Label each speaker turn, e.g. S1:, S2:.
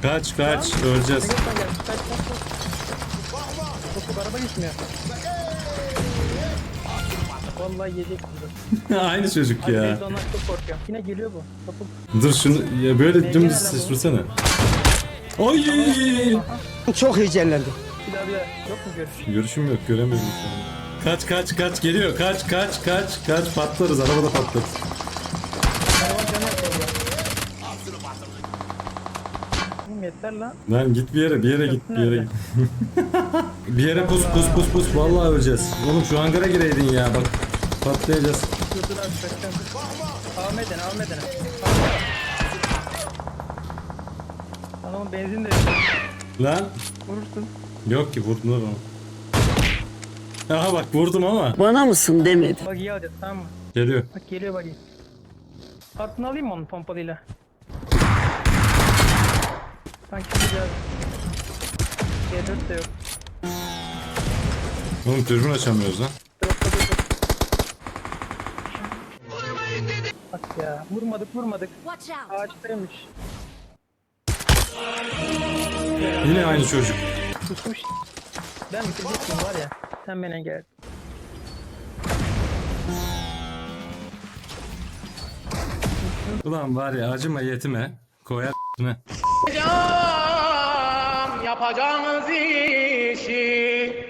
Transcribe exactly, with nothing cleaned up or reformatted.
S1: Kaç kaç öleceğiz.
S2: Kaç kaç kaç. Çok araba gitmiyor. Vallahi yedik burada.
S1: Aynı çocuk
S2: Abi
S1: ya.
S2: ben ondan çok korkuyorum. Yine geliyor bu. Kapı.
S1: Dur şunu ya böyle dümdüz sıçrasana. Oy!
S3: Çok heyecanlandım.
S2: Bir daha bir daha. Yok mu görüş?
S1: Görüşüm yok, göremedim şu an. Kaç kaç kaç geliyor. Kaç kaç kaç kaç patlarız, arabada patlarız.
S2: Hayvan canı yapıyor bu. Oğlum yeter lan.
S1: Lan git bir yere, bir yere git, bir yere git. Bir yere pus pus pus pus, vallahi öleceğiz. Oğlum şu hangara gireydin ya, bak patlayacağız.
S2: Dur dur abi kaçacağım. Almeden almeden. Adamın benzin de
S1: Lan
S2: vurursun.
S1: yok ki, vurdular onu. Aha bak vurdum ama.
S3: Bana mısın demedi.
S2: Bak iyi alacağız tamam mı?
S1: Geliyor.
S2: Bak geliyor bak iyi. Altını alayım mı onun pompalıyla? Sanki biraz G dört de yok.
S1: Oğlum dürbün açamıyoruz lan.
S2: Dropta dur dur. Bak ya vurmadık vurmadık.
S4: Watch out!
S2: Ağaçtaymış.
S1: Yine aynı çocuk.
S2: Kusmuş. Ben bitirecektim var ya. Sen bana gel.
S1: Ulan var ya, acıma yetime. Koyar ne?
S5: Yapacağınız işi